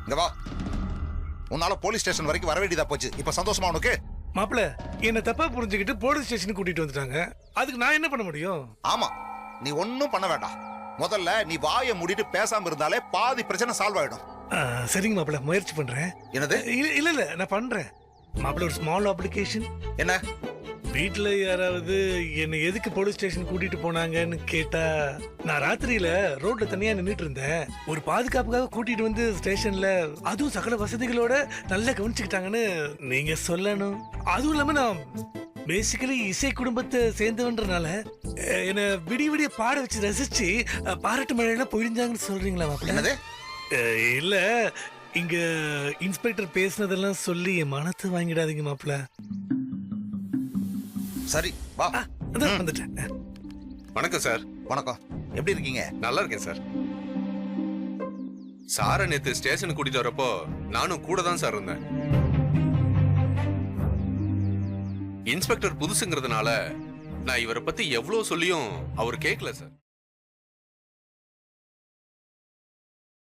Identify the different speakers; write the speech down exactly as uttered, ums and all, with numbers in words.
Speaker 1: இங்க வா. உன்னால போலீஸ் ஸ்டேஷன் வரைக்கும் வர வேண்டியதா போச்சு. இப்ப சந்தோஷமா உனக்கு?
Speaker 2: மாப்பிள்ள என்ன தப்பா புரிஞ்சுக்கிட்டு போலீஸ் ஸ்டேஷனுக்கு கூட்டிட்டு வந்துட்டாங்க. அதுக்கு நான் என்ன பண்ண முடியும்?
Speaker 1: ஆமா, நீ ஒன்னும் பண்ண வேண்டாம். முதல்ல நீ வாயை மூடிட்டு பேசாம இருந்தாலே பாதி பிரச்சனை சால்வ் ஆயிடும்.
Speaker 2: ஆ, சரிங்க மாப்பிள்ள, முயற்சி பண்றேன்.
Speaker 1: என்னது?
Speaker 2: இல்ல இல்ல இல்ல நான் பண்றேன் மாப்பிள்ள. ஒரு ஸ்மால் அப்ளிகேஷன்.
Speaker 1: என்ன?
Speaker 2: வீட்டுல யாராவது என்ன எதுக்கு போலீஸ் ஸ்டேஷன் கூட்டிட்டு போனாங்கன்னு கேட்டா, நான் ராத்திரியில ரோட்ல தனியா நின்னுட்டு இருந்தேன். ஒரு பாதுகாப்புக்காக கூட்டிட்டு வந்து ஸ்டேஷன்ல அதுவும் சகல வசதிகளோட நல்லா கவனிச்சுக்கிட்டாங்கன்னு நீங்க சொல்லணும். அதுவும் இல்லாம நான் பேசிக்கலி இசை குடும்பத்தை சேர்ந்தவன்றனால என்ன விடிய விடிய பாட வச்சு ரசிச்சு பாராட்டு மழையெல்லாம் பொழிஞ்சாங்கன்னு சொல்றீங்களா மாப்பிள்ள? இல்ல, இங்க இன்ஸ்பெக்டர் பேசினதெல்லாம் சொல்லி என் மனத்தை வாங்கிடாதீங்க மாப்பிள்ள.
Speaker 1: சரி வா.
Speaker 2: வந்துட்டேன்.
Speaker 3: வணக்கம் சார்.
Speaker 1: வணக்கம். எப்படி இருக்கீங்க?
Speaker 3: நல்லா இருக்கேன் சார். சாரை நேத்து ஸ்டேஷனுக்கு கூட்டிட்டு வரப்போ நானும் கூட தான் சார் இருந்தேன். இன்ஸ்பெக்டர் புதுசுங்கிறதுனால நான் இவரை பத்தி எவ்வளவு சொல்லியும் அவர் கேட்கல சார்.